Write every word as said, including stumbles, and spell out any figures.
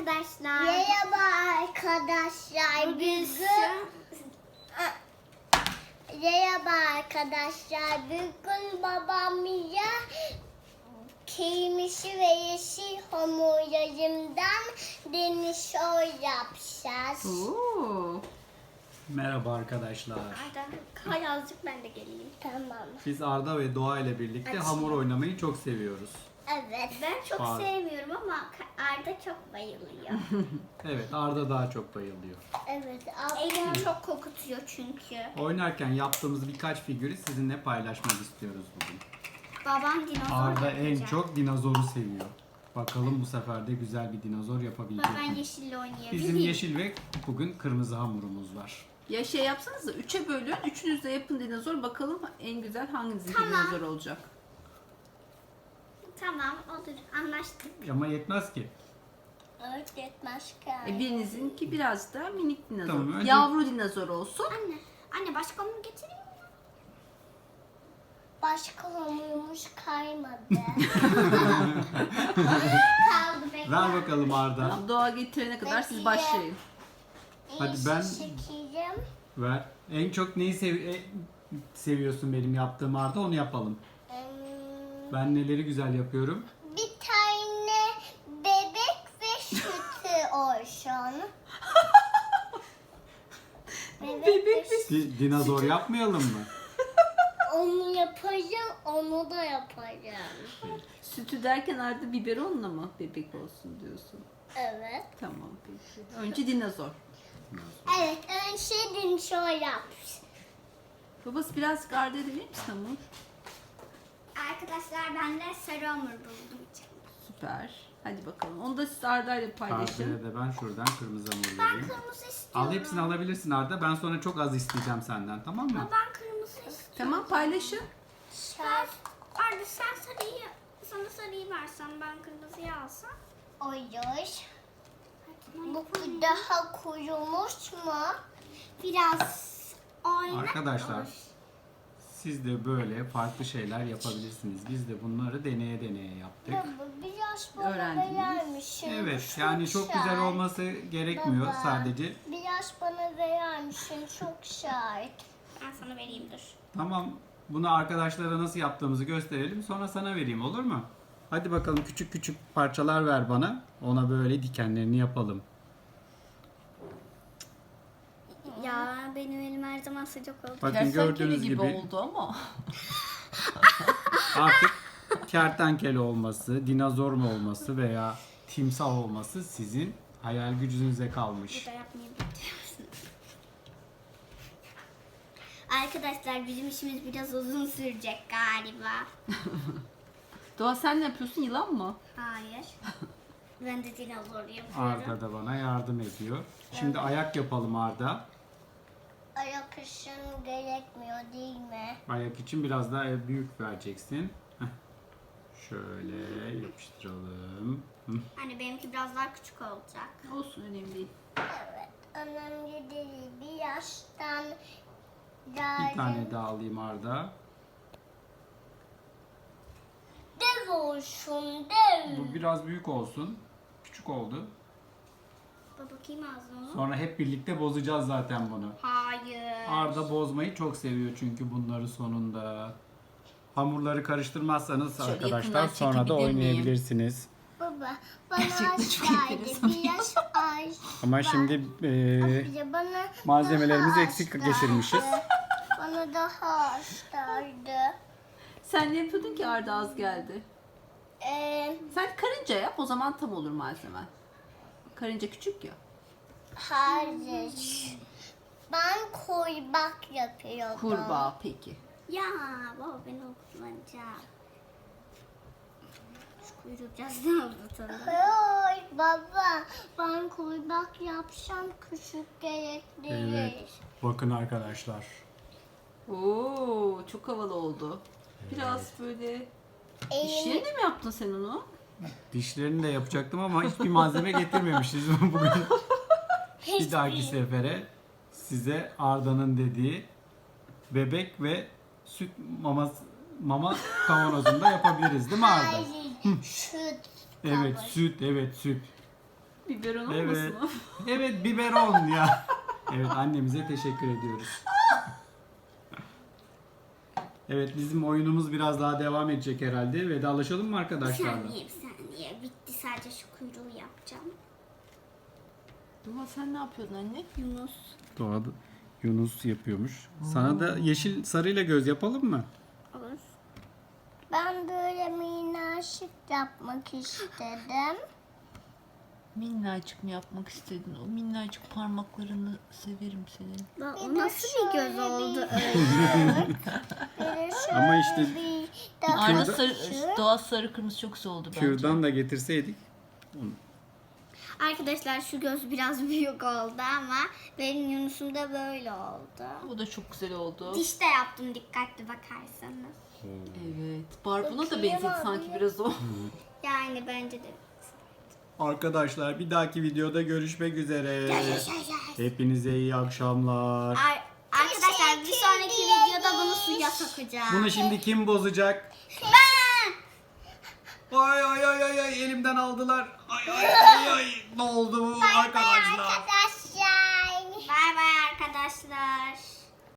arkadaşlar. Merhaba arkadaşlar. Bugün Bugün Merhaba arkadaşlar. Bugün babamla kırmızı ve yeşil hamurlarımdan denizor yapacağız. Oo. Merhaba arkadaşlar. Arda, kay azıcık ben de geleyim. Tamam. Biz Arda ve Doğa ile birlikte Açayım. hamur oynamayı çok seviyoruz. Evet. Ben çok Var. sevmiyorum ama Arda çok bayılıyor. Evet, Arda daha çok bayılıyor. Evet. Elimi çok kokutuyor çünkü. Oynarken yaptığımız birkaç figürü sizinle paylaşmak istiyoruz bugün. Babam dinozor Arda en yapacak. çok dinozoru seviyor. Bakalım bu sefer de güzel bir dinozor yapabilecek Ben mi? yeşille oynayabilirim. Bizim yeşil ve bugün kırmızı hamurumuz var. Ya şey yapsanız da üçe bölün. Üçünüz de yapın dinozor. Bakalım en güzel hanginizin Tamam. dinozor olacak. Tamam olur anlaştık. Ama yetmez ki. Evet yetmez ki. E, birinizinki biraz da minik dinozor. Tamam, önce- Yavru dinozor olsun. Anne, anne başka mı getireyim? Başka hamurumuz kaymadı. Kaldı bekle. Ver bakalım Arda. Tamam, Doğa getirene kadar siz Peki. başlayın. Hadi ben- Çekeceğim. Ver. En çok neyi sev- e- seviyorsun benim yaptığım Arda, onu yapalım. Hmm, Ben neleri güzel yapıyorum? Bir tane bebek ve sütü olsun. Bebek ve sütü. Di- dinozor yapmayalım mı? Onu yapacağım, onu da yapacağım. Sütü derken Arda biberonla mı bebek olsun diyorsun? Evet. Tamam peki. Önce dinozor. Evet, önce dinşo yap. Babası biraz Arda'ya da verir misin hamur? Arkadaşlar ben de sarı hamur buldum. Süper. Hadi bakalım. Onu da siz Arda'yla paylaşın. Arda'ya da ben şuradan kırmızı hamur Ben vereyim. kırmızı istiyorum. Al hepsini alabilirsin Arda. Ben sonra çok az isteyeceğim senden, tamam mı? Ama ben kırmızı istiyorum. Tamam paylaşın. Ben, Arda sen sarıyı, sana sarıyı versen ben kırmızıyı alsam. Olur. Bu daha kurumuş mu? Biraz oyna. Arkadaşlar, siz de böyle farklı şeyler yapabilirsiniz. Biz de bunları deneye deneye yaptık. Baba biraz bana Öğrendiniz. verer misin? Evet, Çok yani çok güzel şahit. olması gerekmiyor Baba, sadece. Biraz bana verer misin? Çok şahit. Ben sana vereyim dur. Tamam, bunu arkadaşlara nasıl yaptığımızı gösterelim. Sonra sana vereyim, olur mu? Hadi bakalım, küçük küçük parçalar ver bana. Ona böyle dikenlerini yapalım. Ya benim elim her zaman sıcak oldu. Bakın Kertenkele gördüğünüz gibi, gibi oldu ama. artık kertenkele olması, dinozor mu olması veya timsah olması sizin hayal gücünüze kalmış. Burada yapmayı biliyorsunuz. Arkadaşlar bizim işimiz biraz uzun sürecek galiba. Doğa sen ne yapıyorsun? Yılan mı? Hayır. Ben de dinozor yapıyorum. Arda da bana yardım ediyor. Şimdi ayak yapalım Arda. Ayak ışın gerekmiyor değil mi? Ayak için biraz daha büyük vereceksin. Heh. Şöyle yapıştıralım. Hı. Hani benimki biraz daha küçük olacak. Olsun önemli değil. Evet. Önemli değil. Bir yaştan Bir tane daha alayım Arda. dev olsun dev. Bu biraz büyük olsun. Küçük oldu. Baba bakayım ağzına. Sonra hep birlikte bozacağız zaten bunu. Hayır. Arda bozmayı çok seviyor çünkü bunları sonunda. Hamurları karıştırmazsanız Şöyle arkadaşlar yakından sonra da çekebilir miyim? oynayabilirsiniz. Baba bana Gerçekten aç çok geldi. enteresan Bir yaş aç. Ama şimdi e, Bir de bana malzemelerimizi daha eksik aç geçirmişiz. geldi. Bana daha aç geldi. Sen ne yapıyordun ki Arda az geldi? Ee, Sen karınca yap, o zaman tam olur malzemen. Karınca küçük ya. hayır. Ben kurbak yapıyordum. Kurbağa peki. Ya baba ben onu kullanacağım. Şu kuyruğu biraz daha uzatalım. Hayır baba. Ben kurbak yapsam küçük gerekli. Evet. Bakın arkadaşlar. Oo, çok havalı oldu. Biraz böyle dişlerini mi yaptın sen onu? Dişlerini de yapacaktım ama hiçbir malzeme getirmemişiz bugün. Bir dahaki sefere size Arda'nın dediği bebek ve süt mama mama kavanozunda yapabiliriz değil mi Arda? Hayır. Süt. Evet, kabı. süt, evet süt. Biberon Evet. olmasın o? Evet biberon ya. Evet annemize teşekkür ediyoruz. Evet bizim oyunumuz biraz daha devam edecek herhalde. Vedalaşalım mı Bir arkadaşlarla? saniye bir saniye. Bitti, sadece şu kuyruğu yapacağım. Doğa sen ne yapıyordun anne? Yunus. Doğada Yunus yapıyormuş. Sana da yeşil sarıyla göz yapalım mı? Olur. Ben böyle minaşık yapmak istedim. Minnacık mı yapmak istedin? O minnacık parmaklarını severim senin. Lan, Bir o de nasıl bir göz şöyle oldu bir- öyle? Bir de şöyle Ama işte bir daha Arda Kürdan- sarı, Doğa sarı kırmızı çok güzel oldu bence. Kürdan da getirseydik. Arkadaşlar şu göz biraz büyük oldu ama benim Yunus'um da böyle oldu. Bu da çok güzel oldu. Diş de yaptım, dikkatli bakarsanız. Evet. Barbuna da Bakayım benzedi abi. sanki biraz o. Yani bence de. Arkadaşlar bir dahaki videoda görüşmek üzere. Hepinize iyi akşamlar. Ar- Arkadaşlar bir sonraki videoda bunu suya sokacağım. Bunu şimdi kim bozacak? Ben! Ay ay ay ay ay elimden aldılar. Ay ay ay ay. Ne oldu bu arkadaşlar? arkadaşlar. Bay bay arkadaşlar.